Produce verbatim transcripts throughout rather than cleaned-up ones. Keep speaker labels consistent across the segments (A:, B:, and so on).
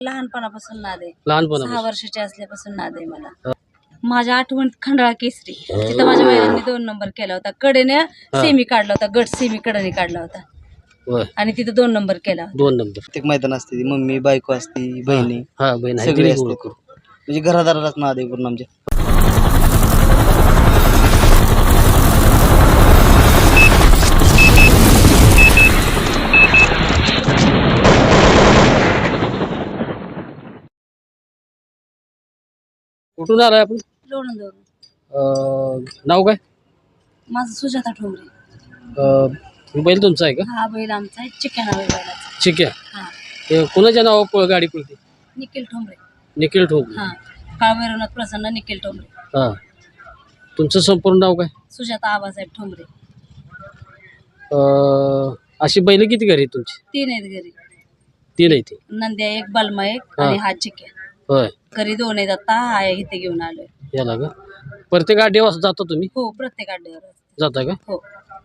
A: लहानपणापासून नाद आहे.
B: लहानपणापासून
A: सहा वर्षाची असल्यापासून नाद आहे मला. माझ्या आठवणीत खंडाळा केसरी तिथं माझ्या वडिलांनी दोन नंबर केला होता. कडेने सेमी काढला होता, गट सेमी कडेने काढला होता
B: होय
A: आणि तिथं दोन नंबर केला होता.
B: दोन नंबर
C: प्रत्येक मैदान असते ती मम्मी बायको असती बहिणी
B: हा बहीण आहे
C: सगळे
B: तिने
C: असते
B: ओळख.
C: म्हणजे घरादारालाच नाद आहे पूर्ण आमच्या.
B: कुठून आलाय आपण?
A: लोणंदवरून.
B: अं, नाव काय?
A: माझं सुजाता ठोंबरे.
B: अं, हे बैल तुमचा आहे का?
A: हा बैल आमचा आहे, चिक्या नाव आहे बैलाचा.
B: ठीक आहे.
A: हा
B: ते कोणाच्या नावावर पळ- गाडी पळते?
A: निखिल ठोंबरे.
B: निखिल ठोक.
A: हा काळभैरवनाथ प्रसन्न निखिल ठोंबरे.
B: हा तुमचं संपूर्ण नाव काय?
A: सुजाता आबासाहेब ठोंबरे.
B: अं, अशी बैल किती घरी आहेत तुमची?
A: तीन आहेत घरी.
B: तीन आहे ती.
A: नंद्या एक, बलमा एक
B: हा.
A: आणि हा चिक्या.
B: होय
A: घरी दोन आहेत, आता हा इथे घेऊन आलोय.
B: याला का प्रत्येक आठवड्या वाजता जाता तुम्ही?
A: हो प्रत्येक अड्ड्यावर.
B: जाता का?
A: हो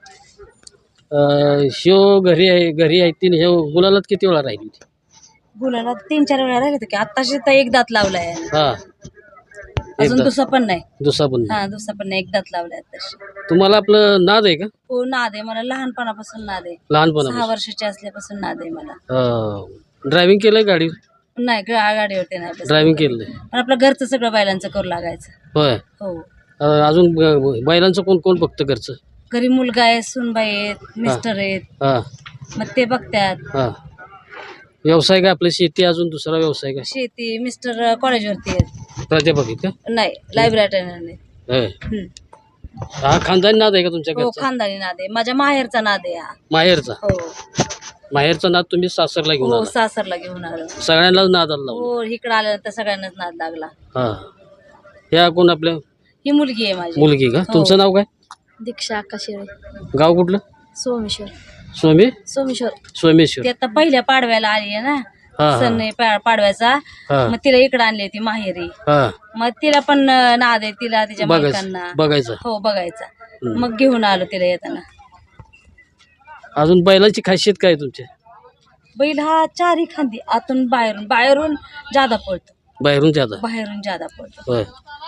B: अं, ह्यो घरी आहे घरी आहे तीन ह्यो गुलालात किती वेळा राहिली होती?
A: गुलाला तीन चार वेळा राहिले होते की आताशी तर एक दात लावलाय.
B: हा
A: अजून दुसरा पण नाही.
B: दुसरा पण नाही.
A: हा दुसरा पण नाही, एक दात लावलाय आताशी.
B: तुम्हाला आपलं नाद आहे का?
A: हो नाद आहे मला, लहानपणापासून नाद आहे.
B: लहानपणा
A: सहा वर्षाची असल्यापासून नाद आहे मला.
B: ड्रायव्हिंग केलंय गाडी?
A: नाही गा- गाडीवरती नाही बसत.
B: ड्रायव्हिंग केलंय.
A: पण आपलं घरचं सगळं बैलांचं करू लागायचं.
B: होय.
A: हो
B: अं, अजून ब- बैलांचं कोण कोण बघतं घरचं?
A: घरी मुलगा आहे, सुनबाई आहेत, मिस्टर आहेत,
B: हा
A: मग ते बघतात.
B: हा व्यवसाय काय आपलं? शेती अजून दुसरा व्यवसाय काय?
A: शेती. मिस्टर कॉलेजवरती आहेत.
B: प्राध्यापक आहेत का?
A: नाही लायब्ररी नाही.
B: होय.
A: हम्म.
B: हा खानदानी नाद आहे का तुमच्या
A: हो
B: घरचा?
A: खानदानी नाद आहे, माझ्या माहेरचा नाद आहे हा.
B: माहेरचा?
A: हो
B: माहेरचा नाद तुम्ही सासरला घेऊन
A: हो
B: आला?
A: सासरला घेऊन आलो.
B: सगळ्यांनाच नाद आला लावला?
A: हो इकडे आल्यानंतर सगळ्यांनाच नाद लागला.
B: हा ह्या कोण आपल्या
A: ही मुलगी आहे माझी.
B: मुलगी का?
A: हो.
B: तुमचं नाव काय?
A: दीक्षा आकाशेळे.
B: गाव कुठलं?
A: सोमेश्वर.
B: स्वामी
A: सोमेश्वर.
B: सोमेश्वर.
A: ती आता पहिल्या पाडव्याला आली आहे ना,
B: हा हा
A: सण आहे पा- पाडव्याचा.
B: हा
A: मग तिला इकडे आणली होती माहेरी.
B: हा
A: मग तिला पण अं, नाद आहे, तिला तिच्या
B: बघायचं
A: मालकांना.
B: बघायचं.
A: हो बघायचा. मग घेऊन आलो तिला येताना.
B: अजून बैलाची खासियत काय आहे तुमच्या?
A: बैल हा चारी खांदी आतून बाहेरून बाहेरून जादा पळतो.
B: बाहेरून ज्यादा?
A: बाहेरून जादा पळतो.
B: होय.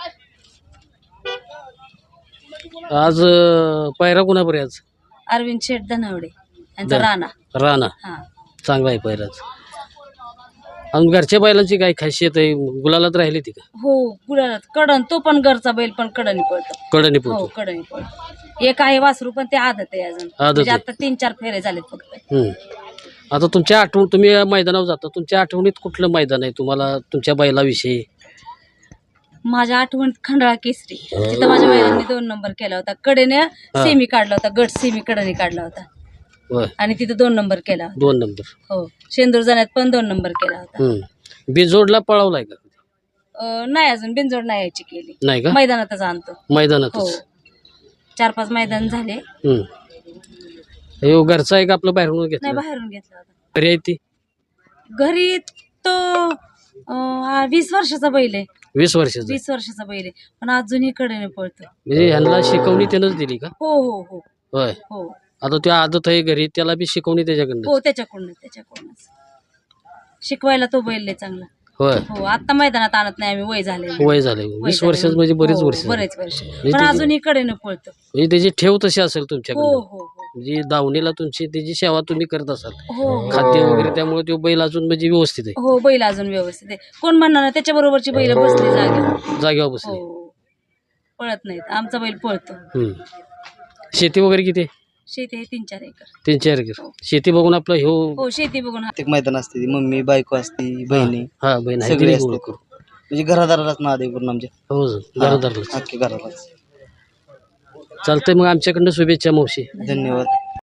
B: आज अं, पायरा कोणापर्यंत? आज
A: अरविंद शेठ धनावडे यांचा
B: द-
A: राणा.
B: राणा
A: हा
B: चांगला आहे पायराच. आणि घरच्या बैलांची काय खासियत आहे? गुलालात राहिली ती का?
A: हो गुलालात कडन, तो पण घरचा बैल पण कडनी पळतो.
B: कडणी
A: हो
B: पोहतो.
A: कडनी पळतो. एक आहे वासरू पण ते आदत आहे अजून.
B: आदत
A: म्हणजे
B: आहे.
A: आता तीन चार फेरे झालेत फक्त.
B: हम्म. आता तुमच्या आठवण तुम्ही या मैदानावर जाता, तुमच्या आठवणीत कुठलं मैदान आहे तुम्हाला तुमच्या बैलाविषयी?
A: माझ्या आठवणीत खंडाळा केसरी तिथं माझ्या वडिलांनी दोन नंबर केला होता. कडेने सेमी काढला होता, गट सेमी कडनी काढला होता
B: होय.
A: आणि तिथं दोन नंबर केला होता.
B: दोन नंबर.
A: हो शेंदूर जाण्यात पण दोन नंबर केला होता.
B: हम्म. बिजोडला पळवलाय का?
A: अं, नाही अजून बिनजोड नाही यायची केली.
B: नाही का?
A: मैदानातच आणतो. हो
B: मैदानातच.
A: चार पाच मैदान झाले.
B: हम्म. ह्यो घरचा आहे का आपलं बाहेरून
A: नाही
B: घेतलं?
A: बाहेरून घेतला होता.
B: घरी आहे ती?
A: घरी तो अं, हा वीस वर्षाचा बैल आहे.
B: वीस वर्षाचं?
A: वीस वर्षाचा बैल आहे पण अजूनही कडेने पळतो.
B: म्हणजे ह्यांना शिकवणी त्यानंच दिली का?
A: हो हो हो
B: होय.
A: हो
B: आता त्या आदत आहे घरी, त्याला बी शिकवणी त्याच्याकडनं?
A: हो त्याच्याकडूनच त्याच्याकडूनच शिकवायला तो बैल लय चांगला.
B: होय.
A: हो आता मैदानात आणत नाही आम्ही, वय झाले.
B: वय झालंय वीस वर्षाचं म्हणजे बरेच वर्ष झाली.
A: बरेच वर्ष
B: म्हणजे
A: पण
B: त्याची-
A: अजूनही कडेने पळतो.
B: म्हणजे त्याची ठेव तशी असेल
A: हो
B: तुमच्याकडे,
A: हो हो
B: म्हणजे दावणीला तुमची त्याची सेवा तुम्ही करत असाल,
A: हो
B: खाद्य वगैरे, त्यामुळे तो बैल अजून म्हणजे व्यवस्थित आहे,
A: हो बैल अजून व्यवस्थित आहे. कोण म्हणणार ना त्याच्या बरोबरची बैल बसली जागे.
B: जागेवर बसले.
A: हो पळत नाहीत, आमचा बैल पळतो.
B: हम्म. शेती वगैरे किती आहे?
A: शेती आहे तीन चार एकर.
B: तीन चार एकर. शेती बघून आपलं ह्यो
A: हो शेती बघून हा-
C: प्रत्येक मैदान असते ती मम्मी बायको असती बहिणी
B: हा बहीण आहे
C: सगळे
B: तिने
C: असते.
B: ओळख.
C: म्हणजे घरादारालाच नाद आहे पूर्ण आमच्या.
B: हो घरादारला.
C: अख्खे घरालाच.
B: चालतंय मग आमच्याकडनं शुभेच्छा मावशी.
C: धन्यवाद.